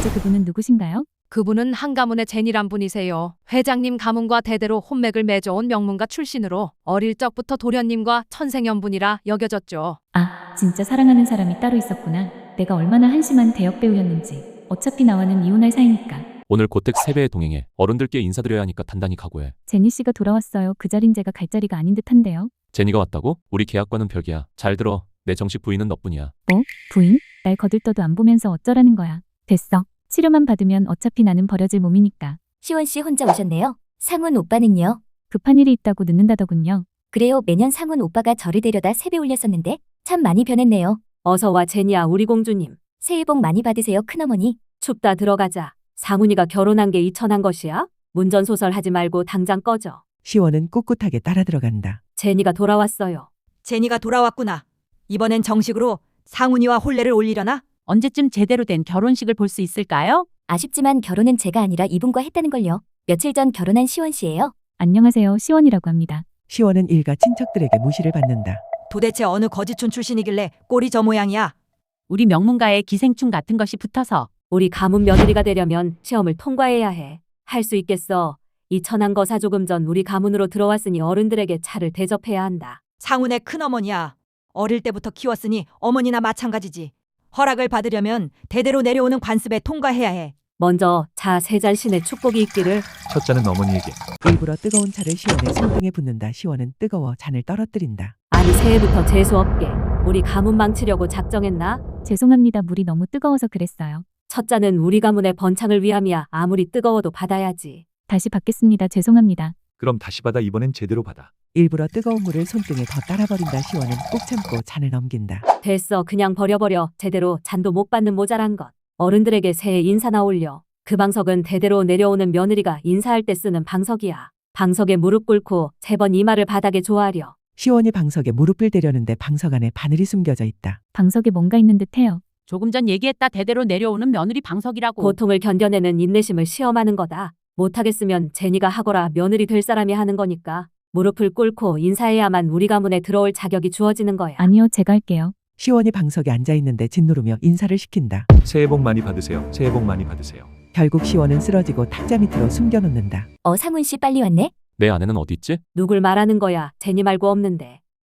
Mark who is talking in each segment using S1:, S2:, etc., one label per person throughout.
S1: 대체 그분은 누구신가요?
S2: 그분은 한 가문의 제니란 분이세요. 회장님 가문과 대대로 혼맥을 맺어온 명문가 출신으로 어릴 적부터 도련님과 천생연분이라 여겨졌죠.
S1: 아, 진짜 사랑하는 사람이 따로 있었구나. 내가 얼마나 한심한 대역 배우였는지. 어차피 나와는 이혼할 사이니까.
S3: 오늘 고택 세배에 동행해. 어른들께 인사드려야 하니까 단단히 각오해.
S1: 제니 씨가 돌아왔어요. 그 자린 제가 갈 자리가 아닌 듯한데요.
S3: 제니가 왔다고? 우리 계약과는 별개야. 잘 들어. 내 정식 부인은 너뿐이야.
S1: 부인? 날 거들떠도 안 보면서 어쩌라는 거야. 됐어. 치료만 받으면 어차피 나는 버려질 몸이니까.
S4: 시원 씨 혼자 오셨네요. 상훈 오빠는요?
S1: 급한 일이 있다고 늦는다더군요.
S4: 그래요. 매년 상훈 오빠가 저를 데려다 세배 올렸었는데 참 많이 변했네요.
S5: 어서 와 제니야 우리 공주님.
S4: 새해 복 많이 받으세요 큰어머니.
S5: 춥다 들어가자. 상훈이가 결혼한 게 이천한 것이야? 문전소설 하지 말고 당장 꺼져.
S6: 시원은 꿋꿋하게 따라 들어간다.
S5: 제니가 돌아왔어요.
S7: 제니가 돌아왔구나. 이번엔 정식으로 상훈이와 혼례를 올리려나?
S8: 언제쯤 제대로 된 결혼식을 볼 수 있을까요?
S4: 아쉽지만 결혼은 제가 아니라 이분과 했다는걸요. 며칠 전 결혼한 시원 씨예요.
S1: 안녕하세요. 시원이라고 합니다.
S6: 시원은 일가 친척들에게 무시를 받는다.
S7: 도대체 어느 거지촌 출신이길래 꼴이 저 모양이야?
S8: 우리 명문가의 기생충 같은 것이 붙어서.
S5: 우리 가문 며느리가 되려면 시험을 통과해야 해. 할 수 있겠어. 이 천한 거사 조금 전 우리 가문으로 들어왔으니 어른들에게 차를 대접해야 한다.
S7: 상훈의 큰어머니야. 어릴 때부터 키웠으니 어머니나 마찬가지지. 허락을 받으려면 대대로 내려오는 관습에 통과해야 해.
S5: 먼저 자 세잔신의 축복이 있기를.
S9: 첫 잔은 어머니에게.
S6: 일부러 뜨거운 차를 시원의 손등에 붓는다. 시원은 뜨거워 잔을 떨어뜨린다.
S5: 아니 새해부터 재수없게 우리 가문 망치려고 작정했나?
S1: 죄송합니다. 물이 너무 뜨거워서 그랬어요.
S5: 첫 잔은 우리 가문의 번창을 위함이야. 아무리 뜨거워도 받아야지.
S1: 다시 받겠습니다. 죄송합니다.
S9: 그럼 다시 받아. 이번엔 제대로 받아.
S6: 일부러 뜨거운 물을 손등에 더 따라버린다. 시원은 꾹 참고 잔을 넘긴다.
S5: 됐어. 그냥 버려버려. 제대로 잔도 못 받는 모자란 것. 어른들에게 새해 인사나 올려. 그 방석은 대대로 내려오는 며느리가 인사할 때 쓰는 방석이야. 방석에 무릎 꿇고 3번 이마를 바닥에 조아려.
S6: 시원이 방석에 무릎을 대려는데 방석 안에 바늘이 숨겨져 있다.
S1: 방석에 뭔가 있는 듯해요.
S8: 조금 전 얘기했다 대대로 내려오는 며느리 방석이라고.
S5: 고통을 견뎌내는 인내심을 시험하는 거다. 못하겠으면 제니가 하거라. 며느리 될 사람이 하는 거니까. 무릎을 꿇고 인사해야만 우리 가문에 들어올 자격이 주어지는 거야.
S1: 아니요. 제가 할게요.
S6: 시원이 방석에 앉아있는데 짓누르며 인사를 시킨다.
S9: 새해 복 많이 받으세요. 새해 복 많이 받으세요.
S6: 결국 시원은 쓰러지고 탁자 밑으로 숨겨놓는다.
S4: 상훈 씨 빨리 왔네.
S3: 내 아내는 어디 있지?
S5: 누굴 말하는 거야. 제니 말고 없는데.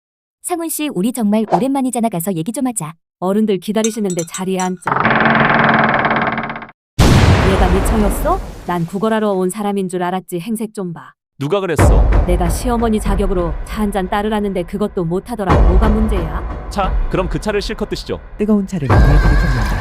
S4: 상훈 씨 우리 정말 오랜만이잖아. 가서 얘기 좀 하자.
S5: 어른들 기다리시는데 자리에 앉자. 얘가 미쳐였어? 난 구걸하러 온 사람인 줄 알았지. 행색 좀 봐.
S3: 누가 그랬어?
S5: 내가 시어머니 자격으로 차 한 잔 따르라는데 그것도 못하더라. 뭐가 문제야?
S3: 자, 그럼 그 차를 실컷 드시죠.
S6: 뜨거운 차를 문에 들이붓는다.